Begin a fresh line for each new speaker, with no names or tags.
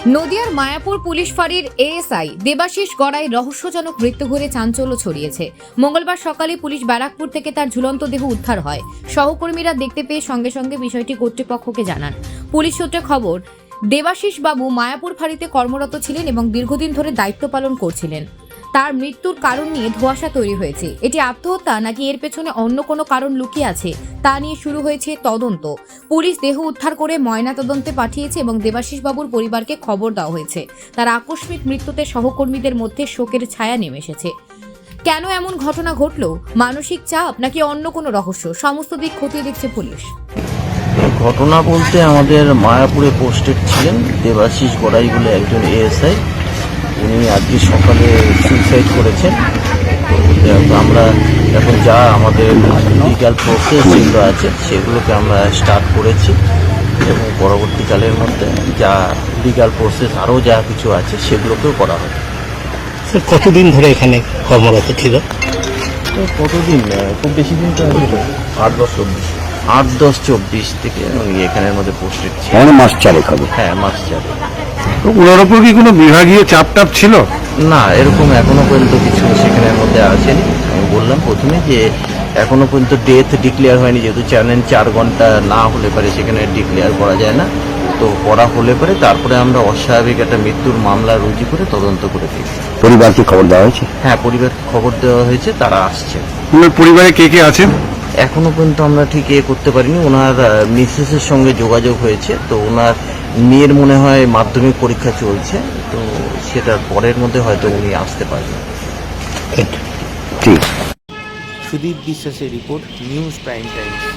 নদিয়ার মায়াপুর পুলিশ ফাঁড়ির এএসআই দেবাশিস গড়াই রহস্যজনক মৃত্যু ঘিরে চাঞ্চল্য ছড়িয়েছে। মঙ্গলবার সকালে পুলিশ ব্যারাকপুর থেকে তার ঝুলন্ত দেহ উদ্ধার হয়। সহকর্মীরা দেখতে পেয়ে সঙ্গে সঙ্গে বিষয়টি কর্তৃপক্ষকে জানান। পুলিশ সূত্রে খবর, দেবাশিস বাবু মায়াপুর ফাঁড়িতে কর্মরত ছিলেন এবং দীর্ঘদিন ধরে দায়িত্ব পালন করছিলেন। তার মৃত্যুর কারণ নিয়ে ধোঁয়াশা তৈরি হয়েছে। এটি আত্মহত্যা নাকি এর পেছনে অন্য কোনো কারণ লুকিয়ে আছে তা নিয়ে শুরু হয়েছে তদন্ত। পুলিশ দেহ উদ্ধার করে ময়নাতদন্তে পাঠিয়েছে এবং দেবাশিস বাবুর পরিবারকে খবর দেওয়া হয়েছে। তার আকস্মিক মৃত্যুতে সহকর্মীদের মধ্যে শোকের ছায়া নেমে এসেছে। কেন এমন ঘটনা ঘটলো? মানসিক চাপ নাকি অন্য কোনো রহস্য? সমস্ত দিক খতিয়ে দেখছে পুলিশ।
ঘটনা বলতে আমাদের মায়াপুরে পোস্টেড ছিলেন দেবাশিস গড়াই বলে একজন এএসআই। উনি আজকে সকালে সুইসাইড করেছেন। তো আমরা এখন যা আমাদের লিগ্যাল প্রসেস যেগুলো আছে সেগুলোকে আমরা স্টার্ট করেছি এবং পরবর্তীকালের মধ্যে যা লিগ্যাল প্রসেস আরও যা কিছু আছে সেগুলোকেও করা হবে।
স্যার, কতদিন ধরে এখানে কর্মরত ছিল?
তো কতদিন, খুব বেশি দিন তো 8-10-24 থেকে উনি এখানের মধ্যে পোস্টেড ছিল।
মাস চারেক হবে।
হ্যাঁ, মাস চারে।
তো ওনার ওপর কি কোনো বিভাগীয় চাপ টাপ ছিল?
না, এরকম এখনো পর্যন্ত কিছু সেখানের মধ্যে আসেনি। আমি বললাম প্রথমে যে এখনো পর্যন্ত ডেথ ডিক্লেয়ার হয়নি, যেহেতু চ্যানেল 4 ঘন্টা না হলে পারে সেখানে ডিক্লেয়ার করা যায় না। তো করা হলে পরে তারপরে আমরা অস্বাভাবিক একটা মৃত্যুর মামলা রুজু করে তদন্ত করে দিই।
পরিবারকে খবর দেওয়া হয়েছে?
হ্যাঁ, পরিবারকে খবর দেওয়া হয়েছে, তারা আসছে।
ওনার পরিবারে কে কে আছেন?
এখনো পর্যন্ত আমরা ঠিক করতে পারিনি। ওনার মিসেসের সঙ্গে যোগাযোগ হয়েছে। তো ওনার মেয়ের মনে হয় মাধ্যমিক পরীক্ষা চলছে, তো সেটার পরের মধ্যে হয়তো উনি আসতে পারবেন।
ঠিক।
সুদীপ বিশ্বাসের রিপোর্ট, নিউজ প্রাইম টাইমস।